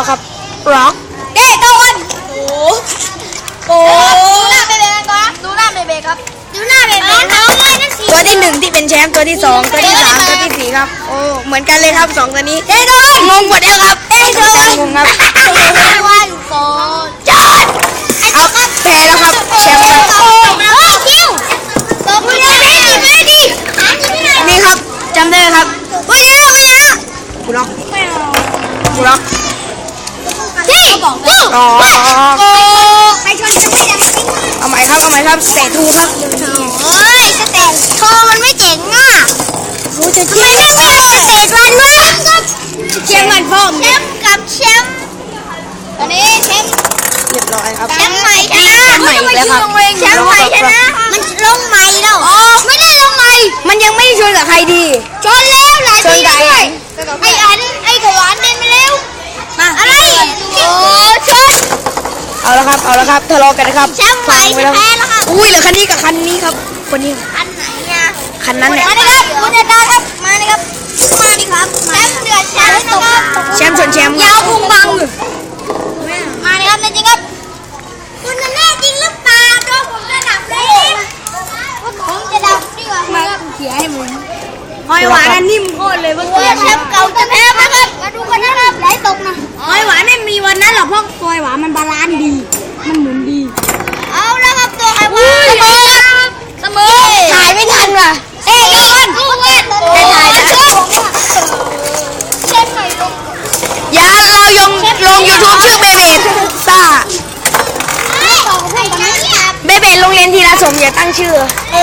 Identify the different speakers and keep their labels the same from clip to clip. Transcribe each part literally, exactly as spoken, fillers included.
Speaker 1: แล้วครับร็อกเก้ตะวันโอ้โหดูหน้าเบเบกันก่อนดูหน้าเบเบครับดูหน้าเบเบตัวที่หนึ่งที่เป็นแชมป์ตัวที่สองตัวที่สามตัวที่สี่ครับโอ้เหมือนกันเลยครับสองตัวนี้เก้ตะวันงงหมดแล้วครับเก้ตะวันงงครับวันโกจอดเอาแพ้แล้วครับแชมป์ครับนี่ครับจำได้ครับว้าวว้าวกูล็อกกูล็อกที่อ๋อไปชนจะไม่ได้เอาใหม่ครับเอาใหม่ครับสเตทูครับโอ้ยสเตทโชว์มันไม่เจ๋งอ่ะโอ้จะทำไมไม่มีสเตทวันวะแชมป์มันพ่อแชมป์กับแชมป์ตอนนี้แชมป์เรียบร้อยครับแชมป์ใหม่ชนะแชมป์ใหม่แล้วครับแชมป์ใหม่ชนะมันลงใหม่แล้วอ๋อไม่ได้ลงใหม่มันยังไม่ชนกับใครดีชนแล้วหลายทีด้วยไอ้อันไอ้กวานเดินไปเร็วมาอะไรโอ้ชนเอาละครับเอาละครับทะเลาะกันนะครับแชมป์ใหม่แพ้แล้วครับอุ้ยเหลือคันนี้กับคันนี้ครับคนนี้คันไหนเนี่ยคันนั้นเนี่ยมาเลยครับคุณอาจารย์ครับมาเลยครับมาดิครับแชมป์เดือดแชมป์นะครับแชมป์ชนแชมป์ยาวพุงบังมาเลยครับจริงครับคุณแน่จริงหรือเปล่าตัวผมจะดับเลยผมจะดับดีกว่ามาเขียให้มึงหอยหวานอันนิ่มโคตรเลยเมื่อกี้แชมป์เก่าจะแพ้นะครับมาดูกันนะครับไหลตกนะหอยหวานไม่มีวันนั้นหรอกเพราะหอยหวานมันบาลานซ์ดีมันหมุนดีเอาแล้วครับตัวหอยหวานเสมอถ่ายไม่ทันว่ะเอ้ยโดนไม่ถ่ายนะอย่าเรายงลงยูทูบชื่อเบเบดซ่าเบเบดโรงเรียนทีละสมอย่าตั้งชื่อ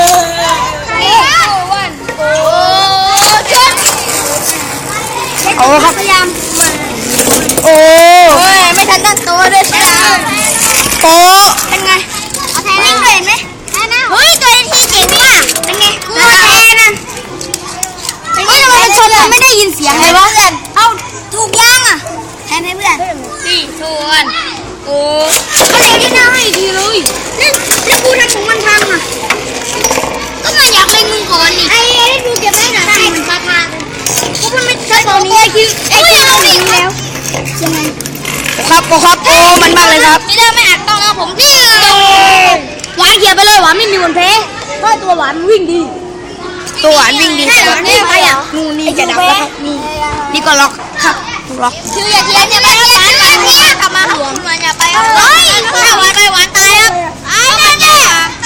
Speaker 1: เอาครับพยายามโอ้ยไม่ทันตั้งตัวด้วยจ้าโอ้เป็นไงเอาแทนนิ่งเลยเห็นไหมเฮ้ยตัวที่เจ๋งมากเป็นไงกูแทนนะเฮ้ยทำไมมันชนมันไม่ได้ยินเสียงเลยวะเอาถูกย่างอ่ะแทนให้เพื่อนสี่ชวนโอ้ก็เดี๋ยวที่หน้าให้อีกทีเลยนี่แล้วกูทำของมันพังอ่ะก็มันอยากเล่นมึงก่อนนี่ไอ้ไอ้ดูเก็บไว้หน่อยได้มันพาพาก็มันไม่ใช่ตอนนี้ไอ้คิวไอ้คิวเราหนีแล้วยังไงครับโอ้ครับโอ้มันมากเลยครับนี่เด้อไม่อัดต้องเอาผมที่หวานเขียไปเลยหวานไม่มีวันแพ้เพราะตัวหวานวิ่งดีตัวหวานวิ่งดีหวานไม่ไปอ่ะนู่นนี่จะดับแล้วครับนี่นี่ก็ล็อกครับล็อกคืออย่าเทียนอย่าไปหวานหวานเนี่ยกลับมาหวานหวานอย่าไปเฮ้ยถ้าหวานไปหวานตายครับไอ้เนี่ยเนี่ย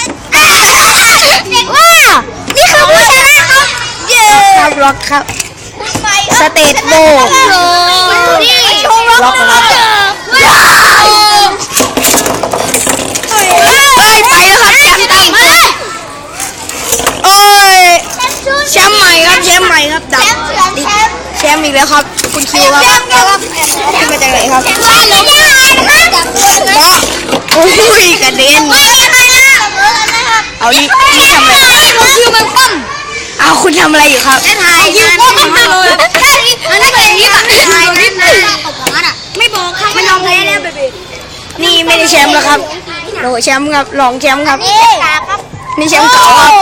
Speaker 1: ว้านี่คือผู้ชนะครับเย้ครับล็อกครับสเตทโบนี่ล็อกครับเฮ้ยไปแล้วครับแชมป์ตั้งโอ้ยแชมป์ใหม่ครับแชมป์ใหม่ครับดับแชมป์อีกแล้วครับคุณคิวครับแชมป์มาจากไหนครับโอ้ยกระเด็นเอานี่นี่ทำอะไรคิวมันคว่ำเอาคุณทำอะไรอยู่ครับถ่ายคิวคว่ำมาเลยอันนั้นเป็นที่แบบถ่ายนิดนึงไม่บอกค่ะไม่ยอมแพ้แล้วเบบีนี่ไม่ได้แชมป์แล้วครับโหแชมป์ครับรองแชมป์ครับนี่แชมป์เก่าครับ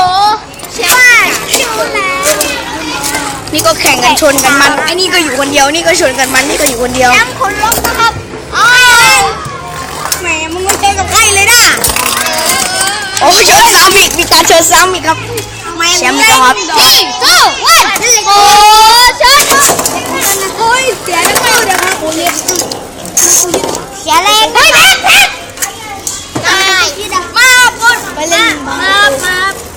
Speaker 1: นี่ก็แข่งกันชนกันมันไอ้นี่ก็อยู่คนเดียวนี่ก็ชนกันมันนี่ก็อยู่คนเดียวแชมป์คนลบนะครับแหมมึงไม่เจอกับใครเลยนะโอ้ชนซ้ำอีกมีการชนซ้ำอีกครับแชมป์ครับสี่สู้วันโอ้ชนโอ้ยเสียแล้วไม่เดี๋ยวครับโอ้ยเสียแรงเฮ้ยแพ้แพ้ตายมาปุ๊บไปเลยมามา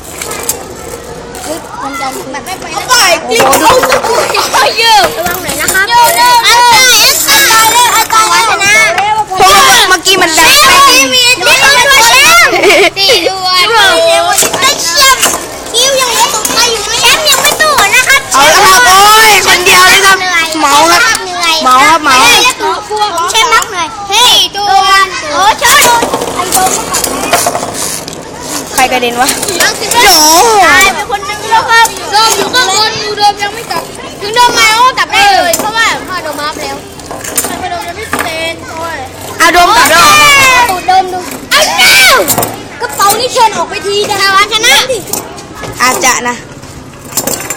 Speaker 1: มันจะแบบไม่ไปเอาไปกินเอาสกุลเอาเยอะระวังหน่อยนะครับโยโย่อันตายอันตายเลยอันตายชนะเพราะว่าเมื่อกี้มันดังไม่มีนี่คือตัวแชมป์สี่ด้วยได้แชมป์คิวยังไม่ตกไปอยู่แชมป์ยังไม่ตู้นะครับเอาละครับโอ้ยคนเดียวเลยครับเมาครับเมาครับเมาผมแชมป์นักหน่อยเฮ้ยตัวโอ้ชนไอ้โดมใครกระเด็นวะโจตายไปคนนึงแล้วครับโดมอยู่ข้างบนอยู่โดมยังไม่กลับถึงโดมมาก็กลับได้เลยเพราะว่าพ่อโดมมาแล้วพ่อโดมยังไม่เป็นโอ้ยเอาโดมกลับแล้วตูดโดมดูไอ้เจ้ากระเป๋านี่เชิญออกไปทีนะวันชนะอาจจะนะ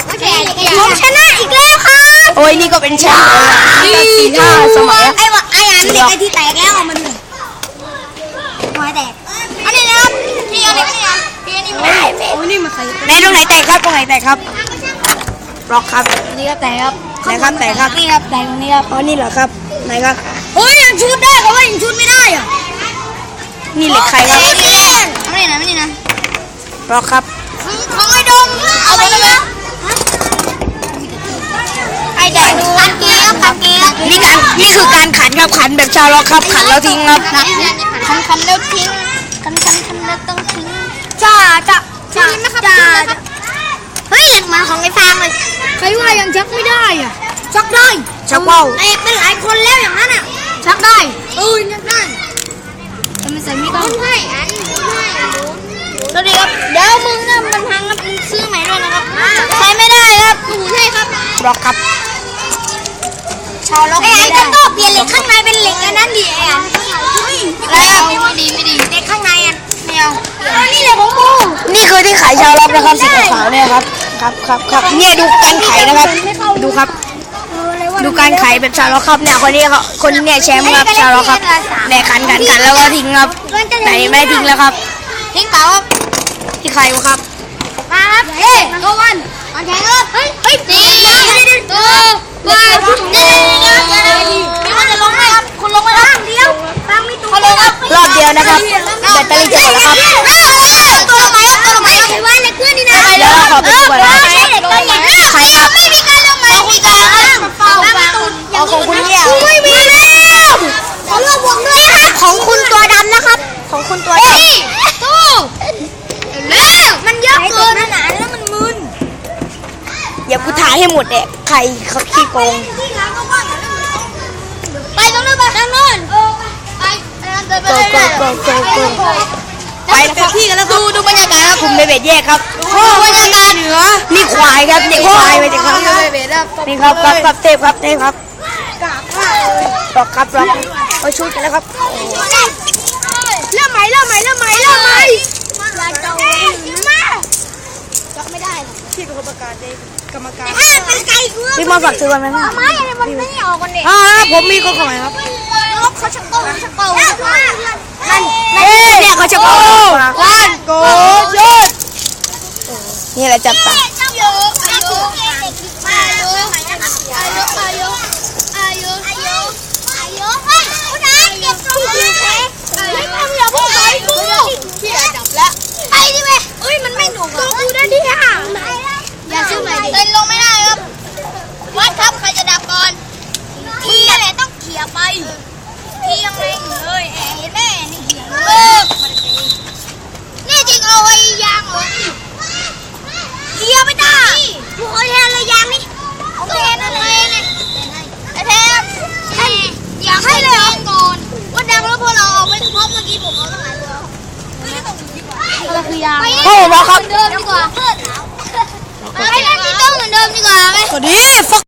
Speaker 1: ผมชนะอีกแล้วครับโอ้ยนี่ก็เป็นแชมป์นี่สี่ห้าสมัยไอ้วะไอ้ไเหล็กไอ้ที่แตกแล้วเอามาดูหัวแตกอันนี้นะครับพี่เอาเหล็กนี่อ่ะพี่อันนี้ไม่ได้โอ้ยนี่มาใส่ในตรงไหนแตกครับตรงไหนแตกครับบล็อกครับนี่ก็แตกครับไหนครับแตกครับนี่ครับแตกตรงนี้ครับอ๋อนี่เหรอครับไหนครับโอ้ยยังชุดได้เขาว่ายังชุดไม่ได้อ่ะนี่เหล็กใครครับไม่ได้ไม่ได้นะไม่ได้นะบล็อกครับของไอ้ดงเอาไปเลยไอ้แดงดูขันเกียร์ขันเกียร์นี่การนี่คือการขันครับขันแบบชาวล็อกครับขันแล้วทิ้งครับขันขันแล้วทิ้งขันขันขันแล้วต้องทิ้งจ้าจ้าจ้าจ้าเฮ้ยเหมือนของไอ้ฟางเลยใครว่ายังชักไม่ได้อ่ะชักได้ชักว่าวแตกเป็นหลายคนแล้วอย่างนั้นอ่ะชักได้เออชักได้ทำไมใส่ไม่ต้องให้อันให้สวัสดีครับเดี๋ยวมึงนะมันพังครับมึงซื้อใหม่ด้วยนะครับใช้ไม่ได้ครับหนูใช่ครับบล็อกครับชาวล็อกไม่ได้ก็เปลี่ยนเหล็กข้างในเป็นเหล็กอันนั้นดิไอ้อันอะไรอ่ะไม่ดีไม่ดีเหล็กข้างในอันไม่เอานี่เหล็กของกูนี่คือที่ขายชาวล็อกนะครับสีขาวเนี่ยครับครับครับครับเนี่ยดูการไขนะครับดูครับดูการไขแบบชาวล็อกครับเนี่ยคนนี้เขาคนเนี่ยแชมป์ครับชาวล็อกครับเนี่ยขันขันขันแล้วก็ทิ้งครับไหนไม่ได้ทิ้งแล้วครับทิ้งเปล่าครับที่ใครวะครับมาครับเฮ้ยโกวันมาแข่งครับเฮ้ยเฮ้ยตีเออมาเดี๋ยวเดี๋ยวเดี๋ยวเดี๋ยวพี่มันจะลงไหมครับคุณลงไหมครับเดียวฟังไม่ถูกลงครับรอบเดียวนะครับแบตเตอรี่จะหมดแล้วครับตัวลงไหมครับตัวลงไหมครับว่าในเพื่อนนี่นะเดี๋ยวขอไปดูก่อนนะใครครับไม่มีการลงไหมมีการเฝ้าฟังเอาของคุณเนี่ยไม่มีแล้วของเราบวกด้วยครับของคุณตัวดำนะครับของคุณตัวดำตู้เร็วมันเยอะเกินหนาแล้วมันมึนอย่ากูถ่ายให้หมดเนี่ยใครเขาขี้โกงไปตรงนู้นไปทางโน้นไปโกโกโกโกโกไปเต็มที่กันแล้วดูดูบรรยากาศครับผมเบเบ็ดแยกครับโอ้บรรยากาศเหนือนี่ควายครับนี่ควายไปจากครับนี่ครับครับครับเทพครับเทพครับรอกครับรอกไปชุดกันแล้วครับเริ่มใหม่เริ่มใหม่เริ่มใหม่เริ่มใหม่ไม่ได้พี่เป็นคนประกาศเองกรรมการพี่มาฝากซื้อวันไหมพี่ไม่มันไม่ออกกันเด็กอ่าผมมีข้อความครับล็อกเขาชักโก้ชักโก้นั่นเนี่ยเขาชักโก้วันโกยศนี่แหละจับตาอายุอายุอายุอายุอายุอายุอายุอายุเฮ้ยคุณนายเก็บตรงนี้ไม่ทำอย่าพูดไปกูพี่จับแล้วไปดิเว้ยเอ้ยมันไม่หนุกตัวกูได้ที่ห่างอย่าซื้อใหม่ดิเต้นลงไม่ได้ครับวัดครับใครจะดับก่อนทีอะไรต้องเขี่ยไปทียังไงเลยแอบเห็นแม่นี่เขี่ยเลยนี่จริงเอาไว้ยางเหรอเขี่ยไม่ได้กูเอาแทนเลยยางนี่เอาแทนอะไรเนี่ยไอ้แทนอยากให้เลยเหรอก่อนว่าดังแล้วพวกเราเอาไม่ครบเมื่อกี้ผมเอาตั้งหลายตัวเราคือยางโอ้โหครับเดิมดีกว่าให้นั่งที่โต๊ะเหมือนเดิมดีกว่าไหมสวัสดี